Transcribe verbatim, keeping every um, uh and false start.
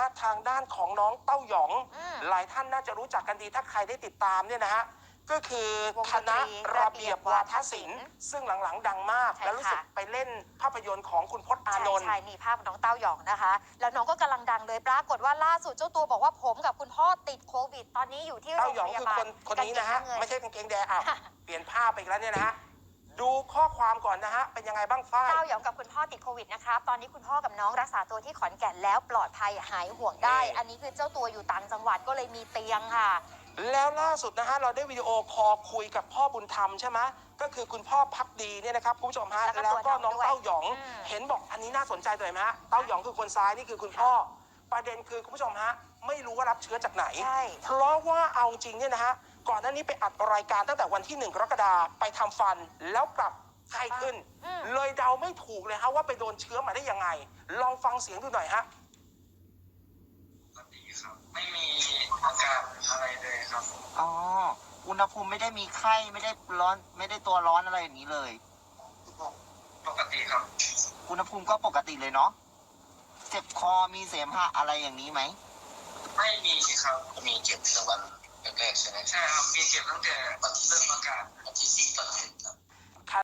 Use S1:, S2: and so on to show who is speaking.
S1: ะทางด้านของน้องเต้าหยองหลายท่านน่าจะรู้จักกันดีถ้าใครได้ติดตามเนี่ยนะฮะก็คือคณะระเบียบวาทศิลป์ซึ่งหลังๆดังมากแล้วรู้สึกไปเล่นภาพยนตร์ของคุณพจน์อานนท์
S2: ใช่นี่ภาพน้องเต้าหยองนะคะแล้วน้องก็กำลังดังเลยปรากฏว่าล่าสุดเจ้าตัวบอกว่าผมกับคุณพ่อติดโควิดตอนนี้อยู่ที่โรงพยาบาล
S1: เต้าหยองคือคนคนนี้นะฮะไม่ใช่กางเกงแดงอ่ะเปลี่ยนภาพไปอีกแล้วเนี่ยนะฮะดูข้อความก่อนนะฮะเป็นยังไงบ้างฝ้าย
S2: เต้าหยองกับคุณพ่อติดโควิดนะครับตอนนี้คุณพ่อกับน้องรักษาตัวที่ขอนแก่นแล้วปลอดภัยหายห่วงได้อันนี้คือเจ้าตัวอยู่ต่างจังหวัดก็เลยมีเตียงค่ะ
S1: แล้วล่าสุดนะฮะเราได้วิดีโอคอลคุยกับพ่อบุญธรรมใช่ไหมก็คือคุณพ่อพักดีเนี่ยนะครับคุณผู้ชมฮะแล้วก็น้องเต้าหยองเห็นบอกอันนี้น่าสนใจเลยไหมฮะเต้าหยองคือคนซ้ายนี่คือคุณพ่อประเด็นคือคุณผู้ชมฮะไม่รู้ว่ารับเชื้อจากไหนเพราะว่าเอาจริงเนี่ยนะฮะก่อนหน้านี้ไปอัดรายการตั้งแต่วันที่หนึ่งกรกฎาคมไปทำฟันแล้วกลับไข้ขึ้นเลยเดาไม่ถูกเลยฮะว่าไปโดนเชื้อมาได้ยังไงลองฟังเสียงดูหน่อยฮะ
S3: ไม่มีอาการอะไรเลยครับ
S4: อ๋ออุณหภูมิไม่ได้มีไข้ไม่ได้ร้อนไม่ได้ตัวร้อนอะไรอย่างนี้เลย
S3: ปกติครับ
S4: อุณหภูมิก็ปกติเลยเนาะเจ็บคอมีเสมหะอะไรอย่างนี้ไหม
S3: ไม่มีครับมีเจ็บแต่วันแรกๆใช่ไหมใช่ครับมีเจ็บตั้งแต่วันที่เริ่มอาการวันที่สี่ตอนเย็นครับ